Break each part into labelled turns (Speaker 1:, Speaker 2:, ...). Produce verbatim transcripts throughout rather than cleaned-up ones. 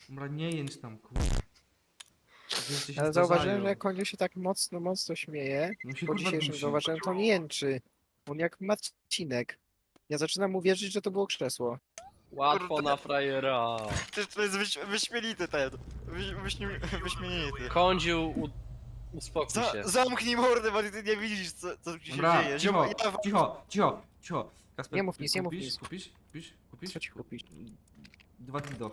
Speaker 1: Dobra, nie jęcz tam, kurwa. Rzeczy się
Speaker 2: Ale zauważyłem,
Speaker 1: zdarzają.
Speaker 2: że jak Koniu się tak mocno, mocno śmieje,
Speaker 1: No się
Speaker 2: po
Speaker 1: kurwa
Speaker 2: dzisiejszym
Speaker 1: dusi.
Speaker 2: zauważyłem, to nie jęczy. On jak Marcinek. Ja zaczynam uwierzyć, że to było krzesło.
Speaker 3: Łatwo
Speaker 4: Kurde.
Speaker 3: na frajera.
Speaker 4: To, to jest wyś, wyśmienity ten. Wyś, wyśmi, wyśmienity.
Speaker 3: Kądziu, u... uspokój
Speaker 4: Za,
Speaker 3: się.
Speaker 4: zamknij mordę, bo ty nie widzisz co, co tu się
Speaker 1: Dobra,
Speaker 4: dzieje.
Speaker 1: cicho,
Speaker 4: Ziom- ja,
Speaker 1: cicho, cicho, cicho. Kasper,
Speaker 2: Nie mów nic, nie mów
Speaker 1: kupisz,
Speaker 2: nic.
Speaker 1: Kupisz, kupisz, kupisz?
Speaker 2: Co ci kupić?
Speaker 1: Dwa dildo.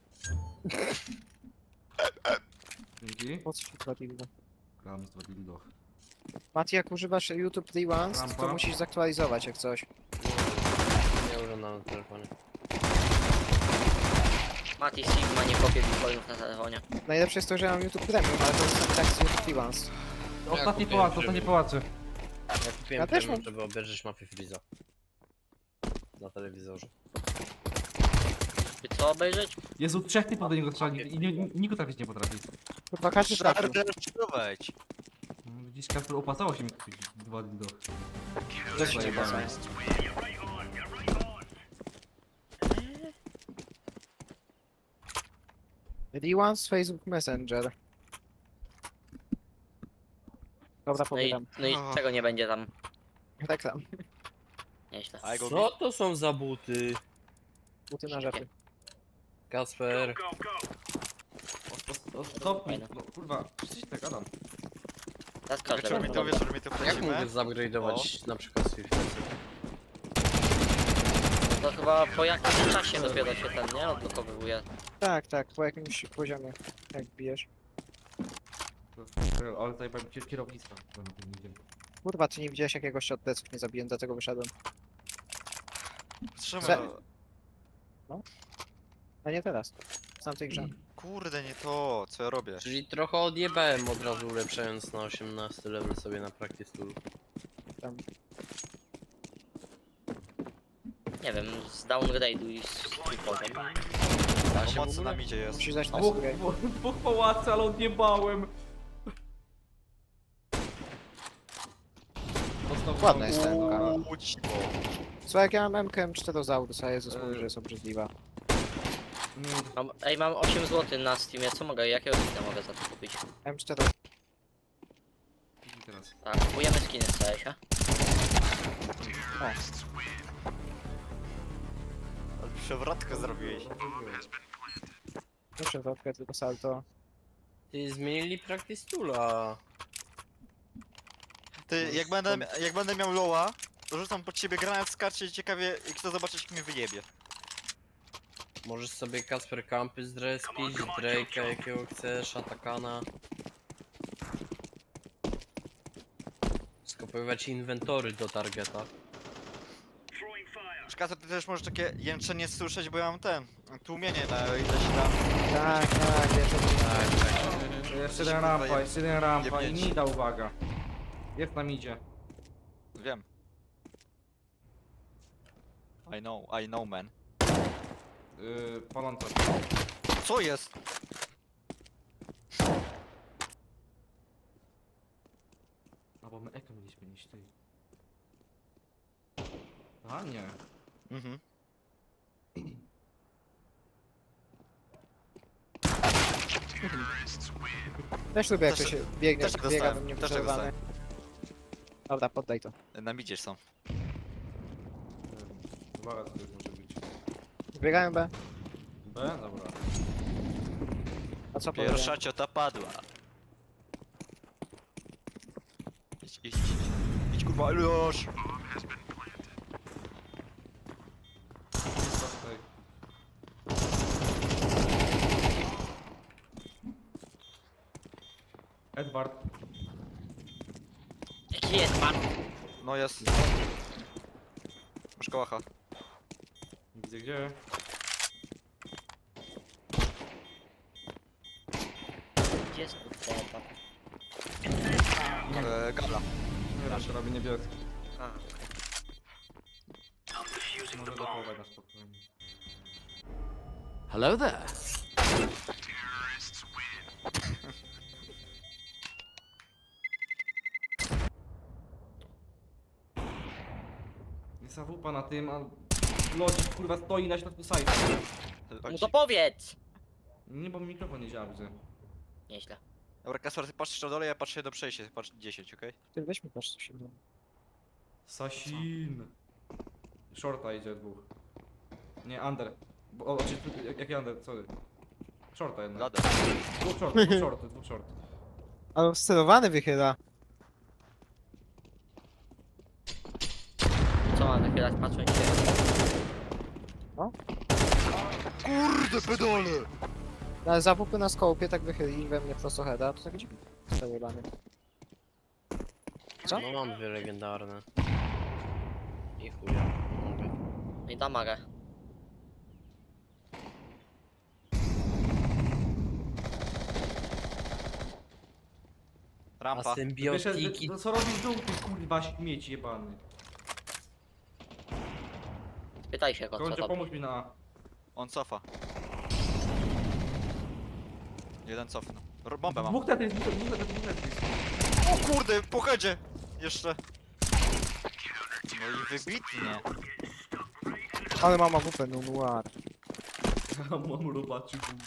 Speaker 1: Dzięki.
Speaker 2: Po co ci dwa dildo?
Speaker 1: Gram z dwa dildo.
Speaker 2: Mati, jak używasz YouTube Rewind, to
Speaker 1: Rampa.
Speaker 2: musisz zaktualizować jak coś.
Speaker 3: Nie używam na telefonie.
Speaker 5: Mati Sigma nie kopie bitcoinów na telefonie.
Speaker 2: Najlepsze jest to, że ja mam YouTube Premium, ale to jest tak z YouTube Rewind.
Speaker 1: Ostatni
Speaker 3: kupiłem
Speaker 1: pałac,
Speaker 3: trybu.
Speaker 1: ostatni pałacy.
Speaker 3: Ja kupiłem
Speaker 2: Ja też
Speaker 3: premium,
Speaker 2: mam.
Speaker 3: żeby obejrzeć Mafię Freeza. Na telewizorze.
Speaker 5: By co obejrzeć?
Speaker 1: Jezu, trzech typów do niego trzeba i nie- nie- nikt go trafić nie potrafi.
Speaker 2: Kurwa, każdy trafił.
Speaker 4: Szarder, wejdź.
Speaker 1: No, widzisz, Kasper, opłacało się mi kupić dwa dildo.
Speaker 2: Też się nie
Speaker 1: Zajebane.
Speaker 2: pasuje. Rewind z Facebook Messenger. Dobra,
Speaker 5: No i,
Speaker 2: pobieram.
Speaker 5: no i
Speaker 4: Aha.
Speaker 5: czego nie będzie tam?
Speaker 2: Reklam.
Speaker 5: Nieźle.
Speaker 4: I go
Speaker 3: Co to są za buty?
Speaker 2: Buty na rzepy.
Speaker 3: Kasper.
Speaker 1: O, o, Stopnij, no kurwa, przecież tak gadam.
Speaker 5: Teraz każdy
Speaker 4: Wieczór mi
Speaker 5: będzie
Speaker 4: to,
Speaker 5: dobrze.
Speaker 4: wieczór mi to
Speaker 3: Jak mogę
Speaker 4: wchodzimy.
Speaker 3: zupgrade'ować na przykład Swift?
Speaker 5: To chyba po jakimś czasie dopiero się ten, nie? Odblokowywuje.
Speaker 2: Tak, tak, po jakimś poziomie, jak bijesz.
Speaker 1: To- Ale tutaj powiem ci kierownictwa. to na tym idzie.
Speaker 2: Kurwa, ty nie widziałeś jakiegoś się od pleców nie zabiłem, dlatego wyszedłem.
Speaker 4: Trzymaj.
Speaker 2: Se- A nie teraz. W tamtej grze.
Speaker 4: Kurde, nie to, co ja robię.
Speaker 3: Czyli trochę odjebałem od razu ulepszając na osiemnasty level sobie na practice tool.
Speaker 2: Tam.
Speaker 5: Nie wiem, z downgrade'u i z trójkątem.
Speaker 3: Da się w
Speaker 4: Pomocy
Speaker 3: ogóle?
Speaker 4: nam idzie jest.
Speaker 2: Musisz dać na
Speaker 1: Dwóch,
Speaker 2: sobie.
Speaker 1: dwóch, dwóch pałacy, ale odjebałem. Dostał
Speaker 2: Ładna jest ten.
Speaker 4: Uuu, cicho.
Speaker 2: Co jak ja mam M K M cztery Zaurus, a Jezus
Speaker 1: Eee.
Speaker 2: mówi, że jest obrzydliwa.
Speaker 5: Mam, ej, mam osiem złotych na Steamie, co mogę, jakiego skina mogę za to kupić?
Speaker 2: M cztery.
Speaker 1: Teraz.
Speaker 5: Tak, kupujemy skiny z C S a.
Speaker 4: Ale przewrotkę zrobiłeś.
Speaker 2: Nie przewrotkę, tylko salto.
Speaker 3: Ty zmienili practice toola.
Speaker 4: Ty, jak będę, jak będę miał loła, to rzucam pod ciebie granat, skarcie i ciekawie, i kto zobaczyć, jak mnie wyjebie.
Speaker 3: Możesz sobie Kasper Campy zrespić, Drake'a jakiego chcesz, Atakana. Skopiować inwentory do targeta.
Speaker 4: Szkoda, ty też możesz takie jęczenie słyszeć, bo ja mam ten, tłumienie na ileś tam.
Speaker 2: Tak, tak, wiesz, o tym.
Speaker 4: Tak,
Speaker 1: Jeszcze jeden rampa, jeszcze jeden rampa i
Speaker 4: jebnięci.
Speaker 1: Nida, uwaga. Jest nam idzie.
Speaker 4: Wiem. I know, I know, man.
Speaker 1: Yy, paląca.
Speaker 4: Co jest?
Speaker 1: A bo my eko mieliśmy niż ty. A nie.
Speaker 4: Mhm.
Speaker 2: Też lubię jak
Speaker 4: Też-
Speaker 2: to się biegnie,
Speaker 4: też tak
Speaker 2: biega
Speaker 4: dostałem,
Speaker 2: do mnie
Speaker 4: też tak
Speaker 2: przerwane. Dobra, poddaj to.
Speaker 4: Na midzie są.
Speaker 1: Uwaga, to już może być.
Speaker 2: Biegają B.
Speaker 1: B? Dobra.
Speaker 2: A co
Speaker 4: Pierwsza
Speaker 2: powiedziałem?
Speaker 4: ciota padła. Idź, idź, idź. Idź kurwa, już!
Speaker 1: Edward.
Speaker 5: Jaki jest pan?
Speaker 4: No jest. Masz kołacha.
Speaker 1: Nie widzę gdzie.
Speaker 5: Gdzie jest kurwa?
Speaker 4: E, gala.
Speaker 1: Teraz robię niebieski.
Speaker 5: A,
Speaker 1: Może dochować na spokojnie.
Speaker 6: Hello there.
Speaker 1: Jest awupa na tym, a... Lodzik kurwa stoi na środku sajtu.
Speaker 5: no to powiedz!
Speaker 1: Nie, bo mikrofon nie działa, widzę.
Speaker 5: Nieźle.
Speaker 4: Dobra, Kasper, ty patrzysz na dole, ja patrzę do przejścia, ty patrz dziesięć, okej?
Speaker 2: Ty weź mi patrz co się dzieje.
Speaker 1: Sasin. Shorta idzie dwóch. Nie, under. Bo, o, czy, jak- jaki under, sorry. Shorta jednak.
Speaker 4: Ladę.
Speaker 1: Dwóch short, dwóch short, dwóch short.
Speaker 2: Ale sterowany wychyla.
Speaker 5: Co mam wychylać, patrząc się?
Speaker 4: Kurde, pedale!
Speaker 2: Ale za W P na skopie tak wychyli we mnie prosto heada, to tak dziwnie. Sterowany. Co?
Speaker 3: No mam dwie legendarne. I chuja. Mogę.
Speaker 5: I damagę.
Speaker 3: A
Speaker 4: Rampa.
Speaker 1: Wyszedł,
Speaker 3: symbiotiki.
Speaker 1: no co robisz żółty, kurwa, śmieć jebany.
Speaker 5: Pytaj się go, co
Speaker 1: Kończę,
Speaker 5: robi.
Speaker 1: pomóż mi na A.
Speaker 4: On cofa. Jeden cofnął. R- Bombę mam.
Speaker 1: Dwóch tetris, dwóch tetris, dwóch tetris, dwóch tetris.
Speaker 4: O kurde, po headzie! Jeszcze. No i wybitnie.
Speaker 2: Ale mama W P, no noir.
Speaker 1: Mam robaczy długi.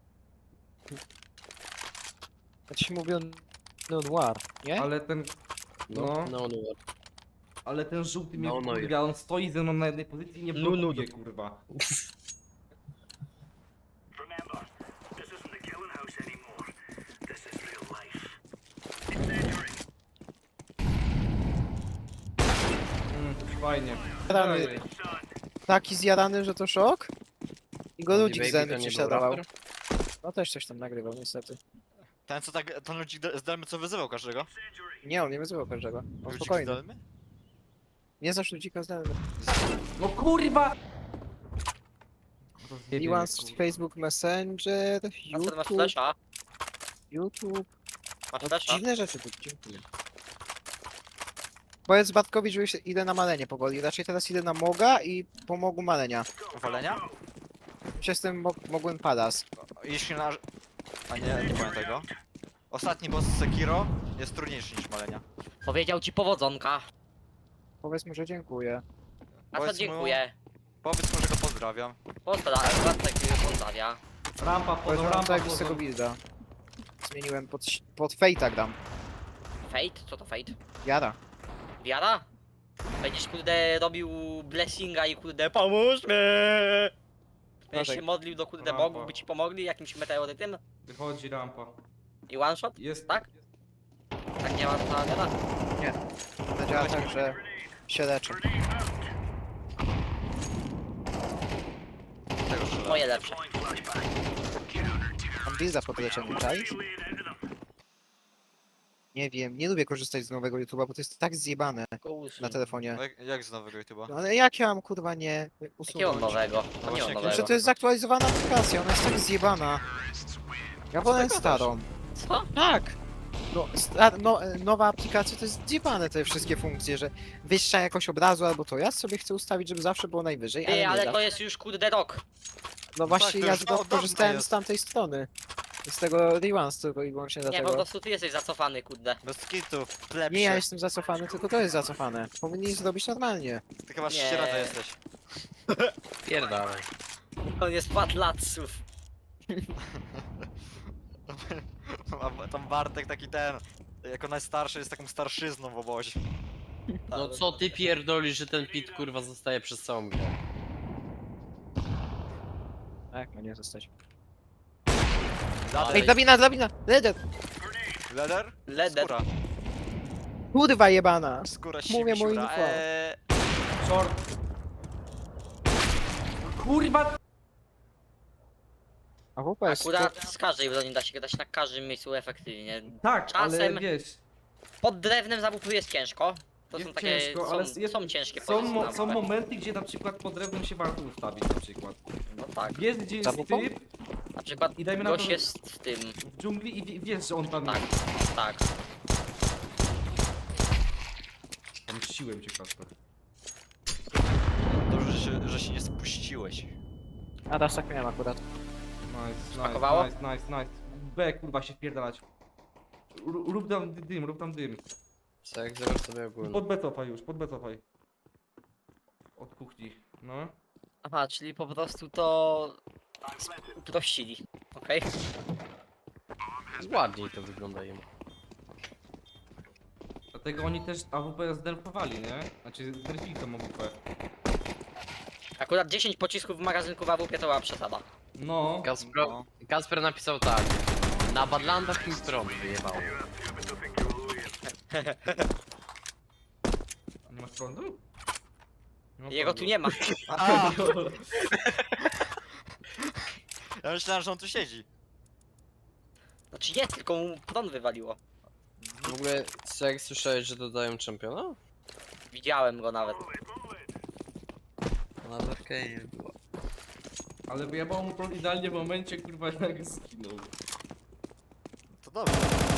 Speaker 2: Ja ci mówię no noir, nie?
Speaker 1: Ale ten,
Speaker 3: No,
Speaker 1: no,
Speaker 3: no, no.
Speaker 1: ale ten żółty mnie
Speaker 3: No, no i-
Speaker 1: kurwa, on stoi ze mną na jednej pozycji i nie
Speaker 3: No, no,
Speaker 1: blokuje, kurwa. Mm, fajnie.
Speaker 2: Rany.
Speaker 1: Dalej.
Speaker 2: Taki zjarany, że to szok? I go ludzik z
Speaker 3: Baby to
Speaker 2: Zeny
Speaker 3: nie był
Speaker 2: prześladował.
Speaker 3: raper?
Speaker 2: No też coś tam nagrywał niestety.
Speaker 4: Ten co tak, ten ludzik z Delmy co wyzywał każdego?
Speaker 2: Nie, on nie wyzywał każdego. On
Speaker 4: Ludzik z
Speaker 2: spokojny.
Speaker 4: Delmy?
Speaker 2: Nie zaś ludzika z Zeny.
Speaker 1: No kurwa!
Speaker 2: Niuans, Facebook Messenger,
Speaker 5: A co, ty masz
Speaker 2: YouTube,
Speaker 5: flasha?
Speaker 2: YouTube.
Speaker 5: Masz
Speaker 2: No,
Speaker 5: flasha?
Speaker 2: dziwne rzeczy tu, dziękuję. Powiedz Batkowi, że już idę na malenie powoli. Raczej teraz idę na Moga i pomogł malenia.
Speaker 4: Walenia?
Speaker 2: Już jestem mo mogłem padas.
Speaker 4: Jeśli na... A nie, nie powiem tego. Ostatni boss Sekiro jest trudniejszy niż malenia.
Speaker 5: Powiedział ci powodzonka.
Speaker 2: Powiedz mu, że dziękuję.
Speaker 5: A to
Speaker 4: Powiedz mu-
Speaker 5: dziękuję.
Speaker 4: Powiedz mu, że go pozdrawiam.
Speaker 5: Pozdrawiam, Bartek mnie pozdrawia.
Speaker 1: Rampa,
Speaker 2: Powiedz
Speaker 1: wchodzą,
Speaker 2: mu,
Speaker 1: rampa,
Speaker 2: tak z tego
Speaker 1: wchodzą.
Speaker 2: builda. Zmieniłem pod, pod Fate'a gram.
Speaker 5: Fate? Co to Fate?
Speaker 2: Jara.
Speaker 5: Wiara? Będziesz kurde robił blessinga i kurde pomóż mi! Będziesz
Speaker 2: Dawaj.
Speaker 5: się modlił do kurde
Speaker 1: Rampa.
Speaker 5: bogów, by ci pomogli jakimś meteorytem?
Speaker 1: Wychodzi rampa.
Speaker 5: I one shot?
Speaker 1: Jest.
Speaker 5: Tak? Tak nie ma ta wiara?
Speaker 2: To działa tak, że się leczę.
Speaker 4: Tego strzelałem.
Speaker 5: Moje lepsze.
Speaker 2: Mam builda pod leczeniem, czaisz? Nie wiem, nie lubię korzystać z nowego YouTube'a, bo to jest tak zjebane na telefonie.
Speaker 4: No Jak, jak z nowego YouTube'a?
Speaker 2: No ale jak ja mam kurwa nie
Speaker 5: Jakiego
Speaker 2: usunąć?
Speaker 5: nowego?
Speaker 4: No
Speaker 5: To nie
Speaker 4: właśnie,
Speaker 5: ma
Speaker 4: jakiego?
Speaker 5: nowego.
Speaker 2: Że to jest zaktualizowana aplikacja, ona jest tak zjebana. Ja wolę
Speaker 4: ty
Speaker 2: starą.
Speaker 5: Co?
Speaker 2: Tak! No, sta- no, e, nowa aplikacja to jest zjebane te wszystkie funkcje, że wyższa jakość obrazu albo to. Ja sobie chcę ustawić, żeby zawsze było najwyżej, ale
Speaker 5: Ty,
Speaker 2: nie
Speaker 5: ale
Speaker 2: da.
Speaker 5: to jest już kurde rok.
Speaker 2: No właśnie
Speaker 4: to
Speaker 2: ja
Speaker 4: już
Speaker 2: z-
Speaker 4: od dawna
Speaker 2: korzystałem
Speaker 4: jest.
Speaker 2: z tamtej strony. Z tego Rewands tylko i wyłącznie
Speaker 5: Nie, po
Speaker 2: dlatego.
Speaker 5: prostu ty jesteś zacofany, kurde.
Speaker 4: Bez kitu, lepszy.
Speaker 2: Nie, ja jestem zacofany, tylko to jest zacofane. Powinni zrobić normalnie.
Speaker 4: Ty chyba
Speaker 5: Nie.
Speaker 4: ścierada jesteś.
Speaker 3: Pierdalaj.
Speaker 5: On jest patlatsów.
Speaker 4: A tam Bartek taki ten, jako najstarszy jest taką starszyzną w obozie.
Speaker 3: No co ty pierdolisz, że ten pit kurwa zostaje przez całą grę?
Speaker 2: Tak, ma nie zostać.
Speaker 4: Leder.
Speaker 2: Ej, drabina, drabina! Leder!
Speaker 4: Leder?
Speaker 5: Leder.
Speaker 4: Skóra.
Speaker 2: Kurwa jebana!
Speaker 4: Skóra
Speaker 2: Mówię
Speaker 4: siwi,
Speaker 2: mu
Speaker 4: siura.
Speaker 2: info.
Speaker 4: Eee,
Speaker 1: Short. Kurwa!
Speaker 2: A W P jest...
Speaker 5: Akurat z każdej broni da się grać na każdym miejscu efektywnie.
Speaker 1: Tak, ale
Speaker 5: Czasem-
Speaker 1: wiesz,
Speaker 5: Pod drewnem zabupu jest ciężko. To
Speaker 1: jest
Speaker 5: są takie,
Speaker 1: ciężko,
Speaker 5: są,
Speaker 1: ale jest,
Speaker 5: są ciężkie
Speaker 1: są,
Speaker 5: pozycje
Speaker 1: mo
Speaker 5: na
Speaker 1: są
Speaker 5: mapę.
Speaker 1: momenty, gdzie na przykład pod drewnem się warto ustawić na przykład.
Speaker 5: No tak.
Speaker 1: Jest gdzie jest
Speaker 2: Zabupą?
Speaker 1: typ
Speaker 5: Na przykład
Speaker 1: i dajmy na
Speaker 5: gość
Speaker 1: to
Speaker 5: jest w tym.
Speaker 1: w dżungli i wie- wiesz, że on tam
Speaker 5: Tak,
Speaker 1: jest.
Speaker 5: tak.
Speaker 1: Pomściłem cię, Kasper.
Speaker 4: dobrze, że się, że się nie spuściłeś.
Speaker 2: A teraz tak miałem akurat.
Speaker 1: Nice, nice,
Speaker 5: Smakowało?
Speaker 1: nice, nice, nice. B, kurwa, się wpierdalać. R rób tam dym, rób tam dym.
Speaker 3: Co jak zobacz sobie ogólnie.
Speaker 1: Pod B cofaj już, pod B cofaj. Od kuchni, no.
Speaker 5: Aha, czyli po prostu to uprościli. Okej.
Speaker 3: Ładniej to wygląda im.
Speaker 1: Dlatego oni też A W P zderfowali, nie? Znaczy zderfili tą A W P.
Speaker 5: Akurat dziesięć pocisków w magazynku w A W P to była przesada.
Speaker 1: No.
Speaker 3: Kasper,
Speaker 4: No.
Speaker 3: Kasper napisał tak. Na Badlandach mi prąd wyjebał.
Speaker 1: Nie masz prądu? Nie ma
Speaker 5: Jego
Speaker 1: prądu.
Speaker 5: tu nie ma.
Speaker 4: A, ja myślałem, że on tu siedzi.
Speaker 5: Znaczy jest, tylko mu prąd wywaliło.
Speaker 3: W ogóle, co jak słyszałeś, że dodają czempiona?
Speaker 5: Widziałem go nawet.
Speaker 3: Na Darkanie była.
Speaker 1: Ale wyjebał mu prąd idealnie w momencie, kurwa, jak zginął.
Speaker 4: To dobrze.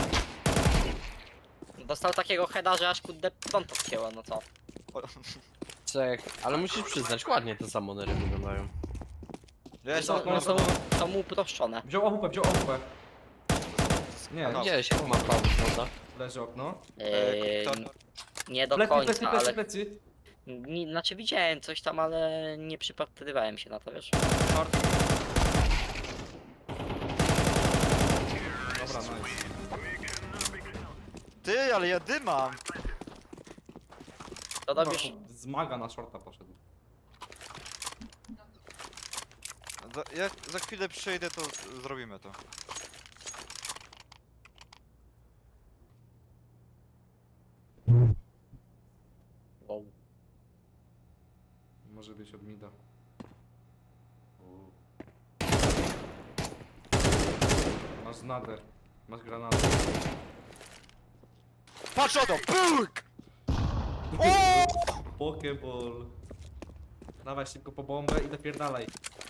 Speaker 5: Dostał takiego heada, że aż kurde prąd odcięło, no co?
Speaker 4: O,
Speaker 3: Co jak... Ale musisz przyznać, ładnie te samonery wyglądają.
Speaker 4: Wiesz,
Speaker 5: Są,
Speaker 4: no,
Speaker 5: no, są, są mu uproszczone.
Speaker 1: Wziął A W P, wziął A W P. Nie,
Speaker 4: No.
Speaker 3: Gdzieś, jak ma prawo, prawda?
Speaker 1: leży okno.
Speaker 5: Eee,
Speaker 4: kto?
Speaker 5: nie do
Speaker 1: Plecy, plecy,
Speaker 5: końca,
Speaker 1: plecy,
Speaker 5: ale...
Speaker 1: plecy.
Speaker 5: Nie, znaczy widziałem coś tam, ale nie przypatrywałem się na to, wiesz.
Speaker 4: Short.
Speaker 1: Dobra, nice.
Speaker 4: Ty, ale ja dymam.
Speaker 5: To robisz...
Speaker 1: No, z maga na shorta poszedł.
Speaker 4: Za, jak za chwilę przyjdę, to zrobimy to.
Speaker 5: Wow.
Speaker 1: Może być od mida. U. Masz nader. Masz granatę.
Speaker 4: Patrz o to! Puk!
Speaker 1: Pokeball. Dawaj szybko po bombę i napierdalaj.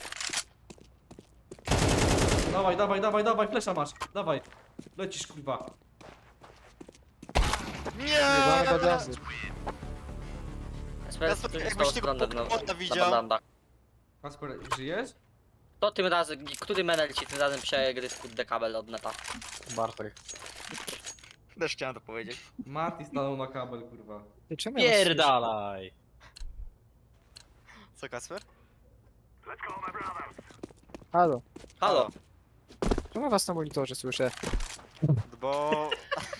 Speaker 1: Dawaj, dawaj, dawaj, dawaj, flesza masz. Dawaj. Lecisz, kurwa.
Speaker 2: Jebane
Speaker 4: Nie!
Speaker 2: badlandy.
Speaker 5: Sprawdź,
Speaker 4: Ja
Speaker 5: co
Speaker 4: jakbyś
Speaker 5: zostało
Speaker 4: tego
Speaker 5: względem na,
Speaker 4: Pokemona
Speaker 5: na
Speaker 4: widział.
Speaker 5: Badlandach.
Speaker 1: Kasper, żyjesz?
Speaker 5: To tym razem, który menel ci tym razem przegryzł kurde kabel od neta?
Speaker 3: Bartek.
Speaker 4: Też chciałem to powiedzieć.
Speaker 1: Mati stanął na kabel, kurwa.
Speaker 2: Ty czemu ja was
Speaker 3: Pierdalaj!
Speaker 4: Co, Kasper?
Speaker 2: słyszę? Halo.
Speaker 5: Halo!
Speaker 2: Czemu ja was na monitorze słyszę?
Speaker 4: Bo...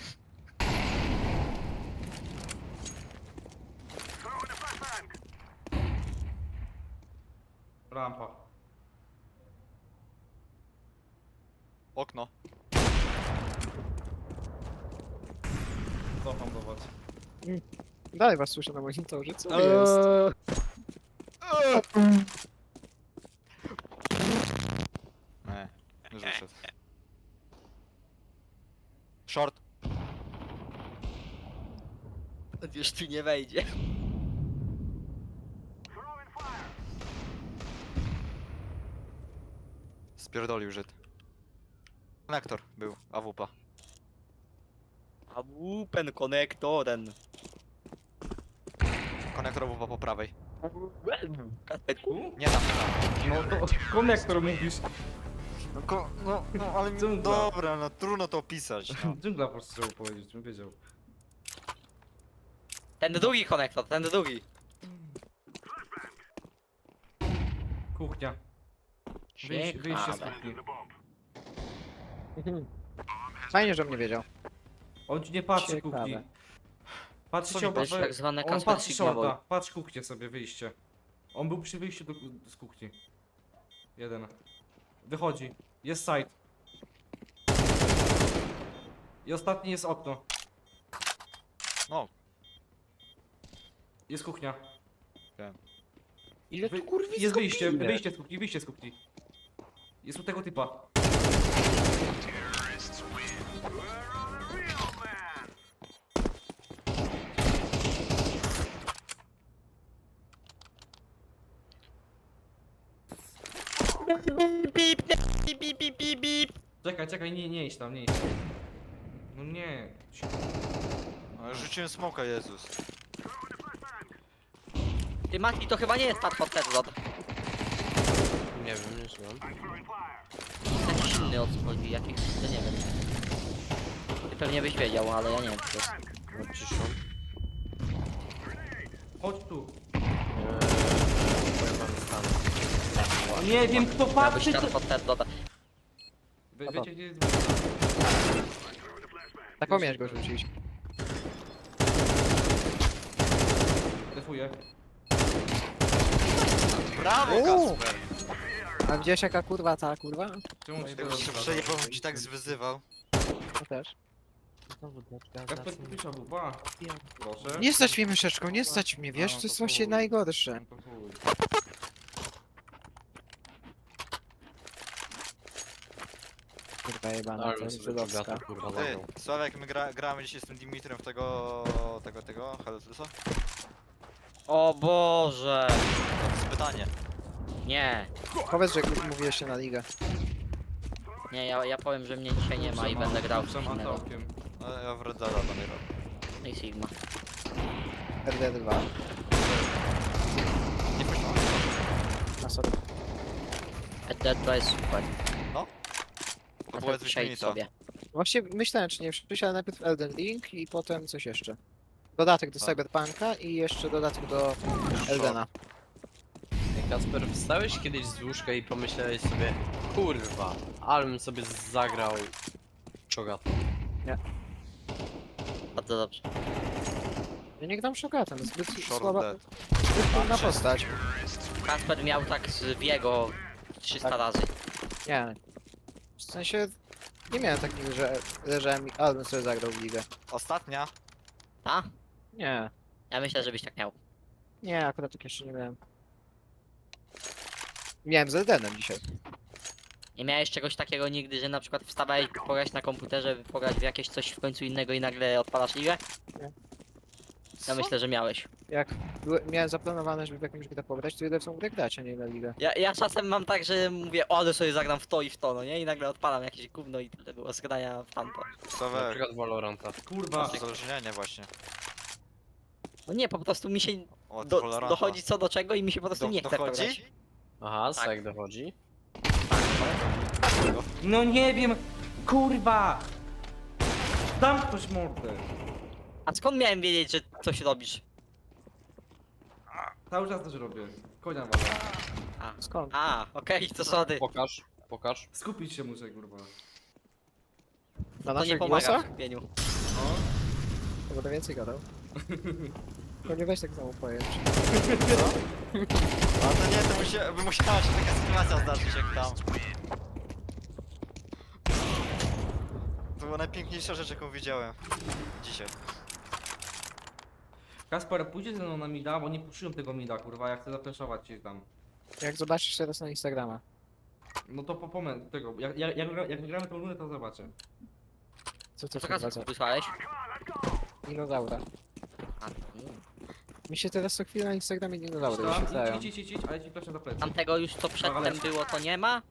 Speaker 1: Rampa.
Speaker 4: Okno.
Speaker 1: Cofam do was.
Speaker 2: Dalej was słyszę na monitorze, co eee. jest?
Speaker 4: Nie, już wyszedł. Short.
Speaker 5: Już tu nie wejdzie.
Speaker 4: Spierdolił Żyd. Konektor był, A W P.
Speaker 5: A wupen konektoren.
Speaker 4: Konektor A W P po prawej.
Speaker 5: Kasperku?
Speaker 4: Nie tam.
Speaker 1: No to konektor mówisz.
Speaker 4: No, ko, no, no ale mi,
Speaker 1: Dżungla.
Speaker 4: dobra, no trudno to opisać. No.
Speaker 1: Dżungla po prostu chciał powiedzieć, bym wiedział.
Speaker 5: Ten drugi konektor, ten drugi.
Speaker 1: Kuchnia. Wyjść, wyjście z kuchni.
Speaker 2: Fajnie, że mnie wiedział.
Speaker 1: On ci nie patrzy
Speaker 2: Ciekawe.
Speaker 1: kuchni. Patrzy
Speaker 4: Co
Speaker 1: się
Speaker 4: mi
Speaker 5: To jest
Speaker 1: obok.
Speaker 5: tak zwane
Speaker 1: On
Speaker 5: Kasper
Speaker 1: patrzy
Speaker 5: Signavoy.
Speaker 1: shorta. Patrz kuchnię sobie, wyjście. On był przy wyjściu do, z kuchni. Jeden. Wychodzi. Jest side. I ostatni jest okno.
Speaker 4: No.
Speaker 1: Jest kuchnia.
Speaker 2: Ile
Speaker 1: Wy...
Speaker 2: tu kurwi
Speaker 1: Jest wyjście, wyjście z kuchni, wyjście z kuchni. Jest u tego typa.
Speaker 5: Bip, bip, bip, bip, bip, bip.
Speaker 1: Czekaj, czekaj, nie, nie idź tam, nie idź tam. No nie.
Speaker 4: No, rzuciłem smoka, Jezus.
Speaker 5: Ty Mati, to chyba nie jest Path of Death
Speaker 3: Nie wiem, nie znam.
Speaker 5: Jakiś inny od chodzi, jakiś, ja nie wiem. Ty pewnie byś wiedział, ale ja nie wiem co to jest.
Speaker 3: No ciszą.
Speaker 1: Chodź tu.
Speaker 3: Eee, powiem wam stanę.
Speaker 1: Nie wiem kto
Speaker 5: Miał być
Speaker 1: patrzy,
Speaker 5: Path
Speaker 1: to...
Speaker 5: of Death.
Speaker 1: Wie,
Speaker 2: Dobra.
Speaker 1: wiecie gdzie jest dwóch?
Speaker 2: Taką miałeś go rzucić.
Speaker 1: Defuję.
Speaker 4: Brawo,
Speaker 2: Uuu.
Speaker 4: Kacper!
Speaker 2: A widziałeś jaka kurwa ta kurwa?
Speaker 1: Czemu ci
Speaker 4: Jakbyś się
Speaker 1: teraz
Speaker 4: przejebał, bym ci tak zwyzywał.
Speaker 2: To też.
Speaker 1: Kasper pisza buba. Proszę.
Speaker 2: Nie stać mnie myszeczką, nie stać mnie, wiesz,
Speaker 1: A, no
Speaker 2: to jest
Speaker 1: to
Speaker 2: właśnie
Speaker 1: chuj.
Speaker 2: najgorsze.
Speaker 1: No to chuj.
Speaker 2: Kurwa jebana,
Speaker 3: Ale
Speaker 2: to
Speaker 3: bym
Speaker 2: jest
Speaker 3: sobie
Speaker 2: żydowska.
Speaker 3: Gata, kurwa,
Speaker 4: Ty,
Speaker 3: zagrał.
Speaker 4: Sławek, my gra, gramy dzisiaj z tym Dimitrem w tego... tego, tego, Hellusa?
Speaker 5: O Boże!
Speaker 4: To jest pytanie.
Speaker 5: Nie,
Speaker 2: Powiedz, że mówiłeś się na ligę.
Speaker 5: nie, ja, ja powiem, że mnie dzisiaj nie ma i będę grał w coś
Speaker 1: Puszczam
Speaker 5: innego.
Speaker 1: antałkiem.
Speaker 4: No, ja w Red Deada będę grał.
Speaker 5: No i Sigma.
Speaker 2: R D dwa.
Speaker 4: Nie puszczam.
Speaker 2: Na sobie.
Speaker 5: Dead to jest super.
Speaker 4: To
Speaker 5: A
Speaker 4: było
Speaker 5: to przejdź
Speaker 4: wyśmienita.
Speaker 5: sobie.
Speaker 2: Właśnie myślałem, czy nie przyjść, ale najpierw Elden Ring i potem coś jeszcze. Dodatek do
Speaker 4: A.
Speaker 2: Cyberpunka i jeszcze dodatek do Eldena.
Speaker 3: Ej, Kacper, wstałeś kiedyś z łóżka i pomyślałeś sobie, kurwa, ale bym sobie zagrał Cho'Gath.
Speaker 5: Bardzo dobrze.
Speaker 2: Ja nie gram Shogatem, zbyt
Speaker 4: Short
Speaker 2: słaba,
Speaker 4: Dead.
Speaker 2: zbyt trudna postać.
Speaker 5: Kasper miał tak z Wiego trzysta
Speaker 2: Tak.
Speaker 5: razy.
Speaker 2: Nie. W sensie, nie miałem tak nigdy, że leżałem i album sobie zagrał w ligę.
Speaker 4: Ostatnia.
Speaker 5: Ta?
Speaker 2: Nie.
Speaker 5: Ja myślę, żebyś tak miał.
Speaker 2: Nie, akurat tak jeszcze nie miałem. Miałem z Eldenem dzisiaj.
Speaker 5: Nie miałeś czegoś takiego nigdy, że na przykład wstawałeś pograć na komputerze, pograć w jakieś coś w końcu innego i nagle odpalasz ligę? Ja myślę, że miałeś.
Speaker 2: Jak były, miałem zaplanowane, żeby w jakimś grę pograć, to idę w tą grę grać, a nie na ligę.
Speaker 5: Ja, ja czasem mam tak, że mówię, o, ale sobie zagram w to i w to, no nie? I nagle odpalam jakieś gówno i tyle było z grania w tamto.
Speaker 3: Na
Speaker 4: Sławek.
Speaker 3: przykład Valoranta.
Speaker 1: Kurwa.
Speaker 4: Uzależnienie właśnie.
Speaker 5: No nie, po prostu mi się
Speaker 4: O,
Speaker 5: do,
Speaker 4: Valoranta.
Speaker 5: dochodzi co do czego i mi się po prostu
Speaker 4: Do-
Speaker 5: nie chce w to
Speaker 4: dochodzi?
Speaker 5: grać.
Speaker 3: Aha,
Speaker 5: Tak.
Speaker 3: tak dochodzi.
Speaker 1: No nie wiem. Kurwa. Dam ktoś mordę.
Speaker 5: A skąd miałem wiedzieć, że coś robisz?
Speaker 1: Cały czas też robię. Konia wala.
Speaker 2: Skąd?
Speaker 5: A, okej, to sorry.
Speaker 3: Pokaż, pokaż.
Speaker 1: Skupić się muszę, kurwa.
Speaker 2: Na
Speaker 5: To nie
Speaker 2: naszych
Speaker 5: pomaga w
Speaker 2: głosach?
Speaker 5: skupieniu.
Speaker 1: No.
Speaker 2: To będę więcej gadał. To nie weź tak samo pojęć.
Speaker 4: A to nie, to musia, by musiała się taka sytuacja zdarzyć jak tam. To była najpiękniejsza rzecz, jaką widziałem dzisiaj.
Speaker 1: Kasper, pójdzie ze mną na mida, bo nie puszyłem tego mida, kurwa, ja chcę zapenszować cię tam.
Speaker 2: Jak zobaczysz teraz na Instagrama.
Speaker 1: No to po moment tego, jak, jak, jak, gra- jak wygramy tą rundę, to zobaczę.
Speaker 2: Co to
Speaker 5: Co
Speaker 2: kurwa
Speaker 5: kasę
Speaker 2: za
Speaker 5: wysłałeś?
Speaker 2: dinozaura?
Speaker 5: A, mm.
Speaker 2: Mi się teraz co chwilę na Instagramie dinozaury
Speaker 1: Tam,
Speaker 2: wyświetlają.
Speaker 1: idź, idź, idź, idź, ale ci proszę za plecy.
Speaker 5: Tamtego już co przedtem było, to nie ma?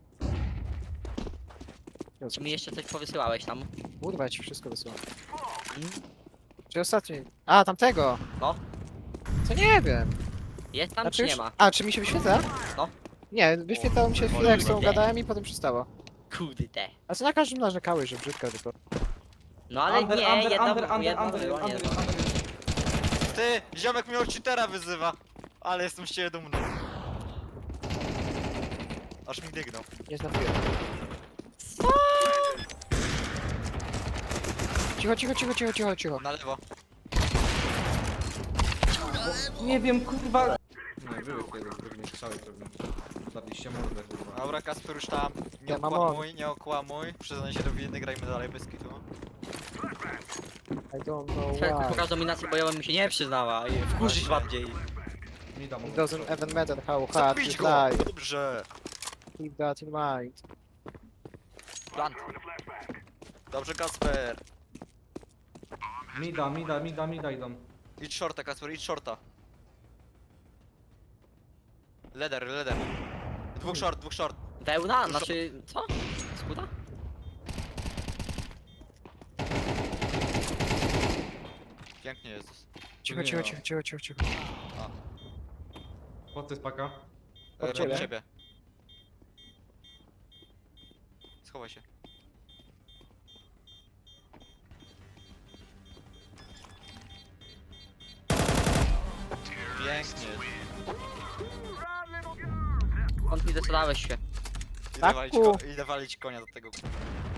Speaker 5: Czy
Speaker 2: Jezu,
Speaker 5: mi jeszcze coś powysyłałeś tam?
Speaker 2: Kurwa, ja ci wszystko wysyłam.
Speaker 5: Mm.
Speaker 2: Czy ostatni? A, tamtego!
Speaker 5: No.
Speaker 2: Co nie wiem.
Speaker 5: Jest tam
Speaker 2: Znaczy
Speaker 5: czy nie
Speaker 2: już-
Speaker 5: ma?
Speaker 2: A, czy mi się wyświetla?
Speaker 5: No.
Speaker 2: Nie, wyświetlało mi się chwilę jak z tą
Speaker 5: kurde.
Speaker 2: gadałem i potem przestało.
Speaker 5: Kurde.
Speaker 2: A co na każdym narzekałeś, że brzydka tylko.
Speaker 5: No ale
Speaker 1: Under,
Speaker 5: nie,
Speaker 1: under,
Speaker 5: jedno,
Speaker 1: under, under,
Speaker 5: jedno
Speaker 1: under,
Speaker 5: było,
Speaker 1: under,
Speaker 5: nie.
Speaker 1: under.
Speaker 4: Ty, ziomek mnie od cheatera wyzywa. Ale jestem z ciebie dumny. Aż mi dygnął.
Speaker 2: Nie znakuję. Cicho, cicho, cicho, cicho, cicho, cicho.
Speaker 4: Na lewo.
Speaker 1: Nie wiem, kurwa. Nie, były kiedy, pewnie strzały pewnie. Zabiście mordę, kurwa.
Speaker 4: Dobra, Kasper już tam. Nie
Speaker 2: Ja mam
Speaker 4: okłamuj, nie okłamuj. Przyznaj się do winy, grajmy dalej bez kitu.
Speaker 2: I don't know
Speaker 5: Czekaj,
Speaker 2: why.
Speaker 5: pokaż dominację bojową mi się nie przyznała i wkurzyć bardziej.
Speaker 1: Mida
Speaker 2: It
Speaker 1: mogę.
Speaker 2: doesn't even matter how hard
Speaker 4: Zabić
Speaker 2: you
Speaker 4: go!
Speaker 2: try.
Speaker 4: Dobrze.
Speaker 2: Keep that in mind.
Speaker 5: Plant.
Speaker 4: Dobrze, Kasper.
Speaker 1: Mida, mida, mida, mida idą.
Speaker 4: Idź shorta, Kasper, idź shorta. Leder, leder. Dwóch short, dwóch short.
Speaker 5: Wełna?
Speaker 4: Dużo-
Speaker 5: Znaczy, co? Skuta?
Speaker 4: Pięknie jest.
Speaker 2: Cicho,
Speaker 1: Nie
Speaker 2: cicho,
Speaker 1: ma.
Speaker 2: cicho, cicho, cicho, cicho.
Speaker 1: Po co jest paka?
Speaker 2: Od
Speaker 4: E,
Speaker 2: ciebie?
Speaker 4: Od ciebie. Schowaj się. Pięknie.
Speaker 5: On mi zdecydowałeś się.
Speaker 4: Idę
Speaker 2: Taku.
Speaker 4: walić, ko- idę walić konia do tego.